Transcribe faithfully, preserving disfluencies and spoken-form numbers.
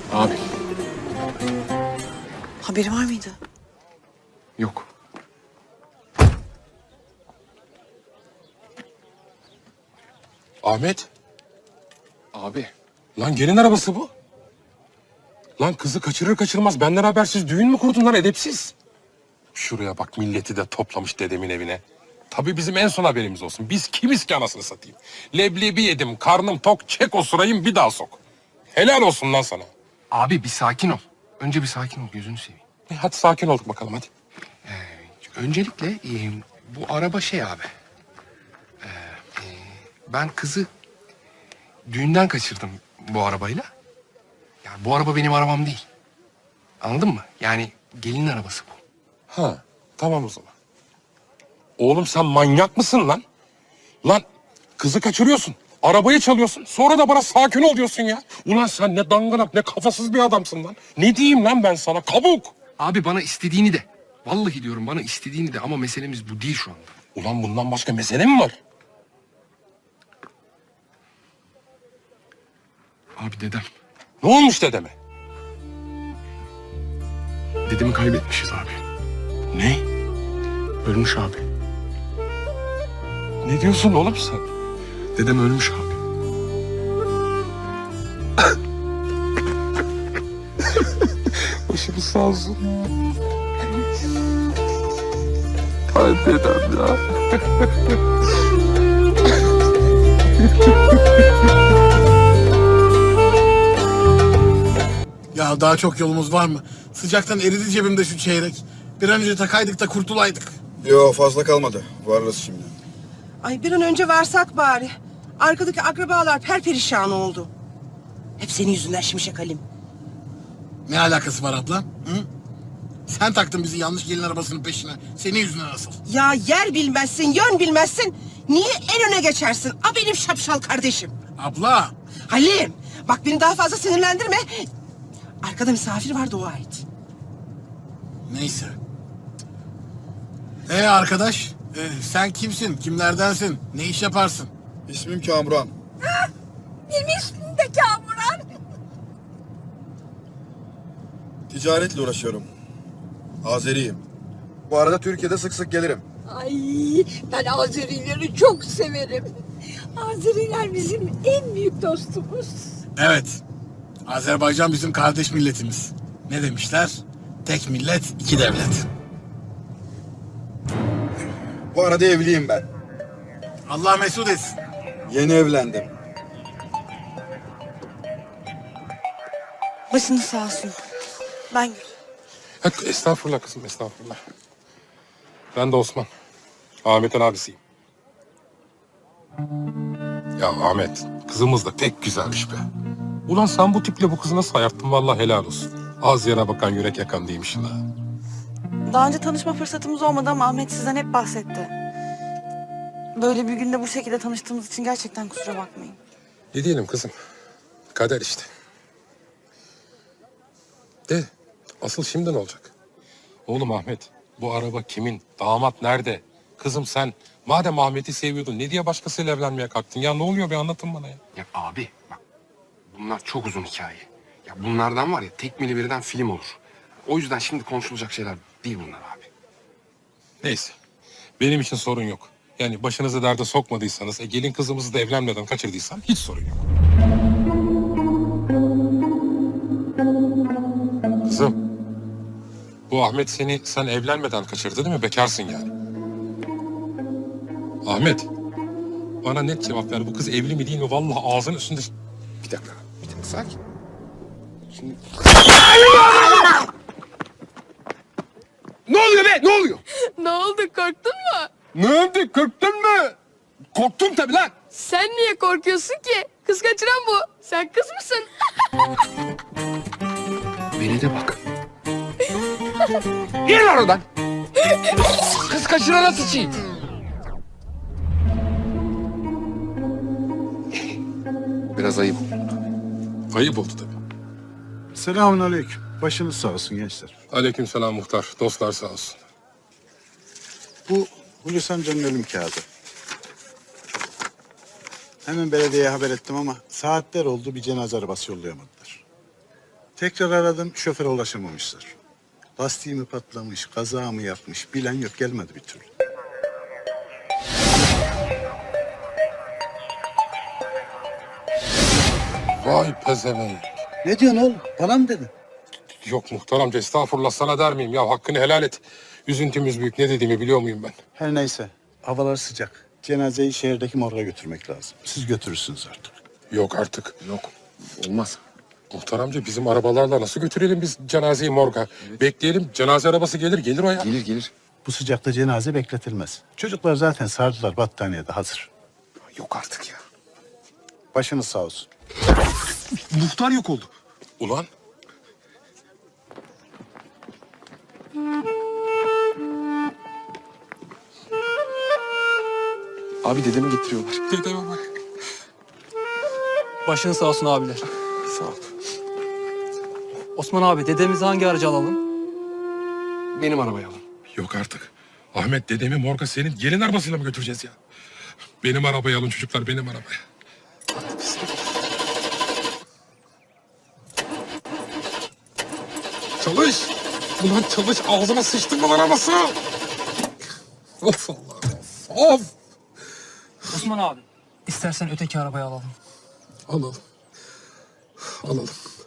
Abi. Haberi var mıydı? Yok. Ahmet. Abi. Lan gelin arabası bu. Lan kızı kaçırır kaçırmaz benden habersiz düğün mü kurdun lan edepsiz? Şuraya bak milleti de toplamış dedemin evine. Tabii bizim en son haberimiz olsun. Biz kimiz ki anasını satayım? Leblebi yedim, karnım tok, çek o sırayım bir daha sok. Helal olsun lan sana. Abi bir sakin ol. Önce bir sakin ol gözünü seveyim. E, hadi sakin olduk bakalım hadi. Öncelikle e, bu araba şey abi. Ee, e, ben kızı düğünden kaçırdım bu arabayla. Yani bu araba benim arabam değil. Anladın mı? Yani gelinin arabası bu. Ha tamam o zaman. Oğlum sen manyak mısın lan? Lan kızı kaçırıyorsun. Arabayı çalıyorsun. Sonra da bana sakin ol diyorsun ya. Ulan sen ne dangalak ne kafasız bir adamsın lan. Ne diyeyim lan ben sana kabuk. Abi bana istediğini de. Vallahi diyorum bana istediğini de ama meselemiz bu değil şu anda. Ulan bundan başka mesele mi var? Abi dedem. Ne olmuş dedeme? Dedemi kaybetmişiz abi. Ne? Ölmüş abi. Ne diyorsun oğlum sen? Dedem ölmüş abi. Başımız sağ olsun. Ay dedem ya. Ya daha çok yolumuz var mı? Sıcaktan eridi cebimde şu çeyrek. Bir an önce takaydık da kurtulaydık. Yo fazla kalmadı. Varırız şimdi. Ay bir an önce varsak bari. Arkadaki akrabalar perperişan oldu. Hep senin yüzünden Şimşek Halim. Ne alakası var abla? Hı? Sen taktın bizi yanlış gelin arabasının peşine. Senin yüzünden asıl. Ya yer bilmezsin, yön bilmezsin. Niye en öne geçersin? A benim şapşal kardeşim. Abla. Halim, bak beni daha fazla sinirlendirme. Arkada misafir var, dua et. Neyse. Ee arkadaş, e, sen kimsin? Kimlerdensin? Ne iş yaparsın? İsmim Kamuran. Benim ismim de Kamuran. Ticaretle uğraşıyorum. Azeriyim. Bu arada Türkiye'de sık sık gelirim. Ay ben Azerileri çok severim. Azeriler bizim en büyük dostumuz. Evet. Azerbaycan bizim kardeş milletimiz. Ne demişler? Tek millet, iki devlet. Bu arada evliyim ben. Allah mesut etsin. Yeni evlendim. Başınız sağ olsun. Ben Gül. Ha, estağfurullah kızım estağfurullah. Ben de Osman. Ahmet'in abisiyim. Ya Ahmet kızımız da pek güzelmiş be. Ulan sen bu tiple bu kızı nasıl ayarttın vallahi helal olsun. Az yana bakan yürek yakan değilmişsin ha. Daha önce tanışma fırsatımız olmadı ama Ahmet sizden hep bahsetti. Böyle bir günde bu şekilde tanıştığımız için gerçekten kusura bakmayın. Ne diyelim kızım? Kader işte. De asıl şimdi ne olacak? Oğlum Ahmet bu araba kimin? Damat nerede? Kızım sen madem Ahmet'i seviyordun ne diye başkasıyla evlenmeye kalktın? Ya ne oluyor bir anlatın bana ya. Ya abi bak bunlar çok uzun hikaye. Ya bunlardan var ya tekmili birden film olur. O yüzden şimdi konuşulacak şeyler değil bunlar abi. Neyse benim için sorun yok. Yani başınızı derde sokmadıysanız, e, gelin kızımızı da evlenmeden kaçırdıysan hiç sorun yok. Kızım, bu Ahmet seni sen evlenmeden kaçırdı değil mi? Bekarsın yani. Ahmet, bana net cevap ver. Bu kız evli mi değil mi? Vallahi ağzının üstünde... Bir dakika, bir dakika sakin. Şimdi... Ne oluyor be? Ne oluyor? Ne oldu, korktun mu? Ne oldu? Korktun mu? Korktum tabii lan. Sen niye korkuyorsun ki? Kız kaçıran bu. Sen kız mısın? Beni de bak. Gel lan oradan. Kız kaçırana sıçayım. Biraz ayıp. Ayıp oldu tabii. Selamünaleyküm. Başınız sağ olsun gençler. Aleykümselam muhtar. Dostlar sağ olsun. Bu Hulusi amcanın ölüm kağıdı. Hemen belediyeye haber ettim ama saatler oldu bir cenaze arabası yollayamadılar. Tekrar aradım, şoföre ulaşamamışlar. Lastiği mi patlamış, kaza mı yapmış bilen yok, gelmedi bir türlü. Vay pezevenk. Ne diyorsun oğlum? Bana mı dedin? Yok muhtar amca estağfurullah sana der miyim? Ya hakkını helal et. Üzüntümüz büyük. Ne dediğimi biliyor muyum ben? Her neyse, havalar sıcak. Cenazeyi şehirdeki morga götürmek lazım. Siz götürürsünüz artık. Yok artık. Yok. Olmaz. Muhtar amca bizim arabalarla nasıl götürelim biz cenazeyi morga? Bekleyelim cenaze arabası gelir gelir o ya. Gelir gelir. Bu sıcakta cenaze bekletilmez. Çocuklar zaten sardılar, battaniyede hazır. Yok artık ya. Başınız sağ olsun. Muhtar yok oldu. Ulan Abi dedemi getiriyorlar. dedeme bak. Başın sağ olsun abiler. Sağ ol. Osman abi dedemizi hangi aracı alalım? Benim arabayı alın. Yok artık. Ahmet dedemi morga senin gelin arabasıyla mı götüreceğiz ya? Benim arabayı alın çocuklar benim arabaya. Çalış. Ulan çalış ağzına sıçtın mı lan arabası? Of Allah'ım. Of. Osman abi. İstersen öteki arabayı alalım. Alalım. Alalım.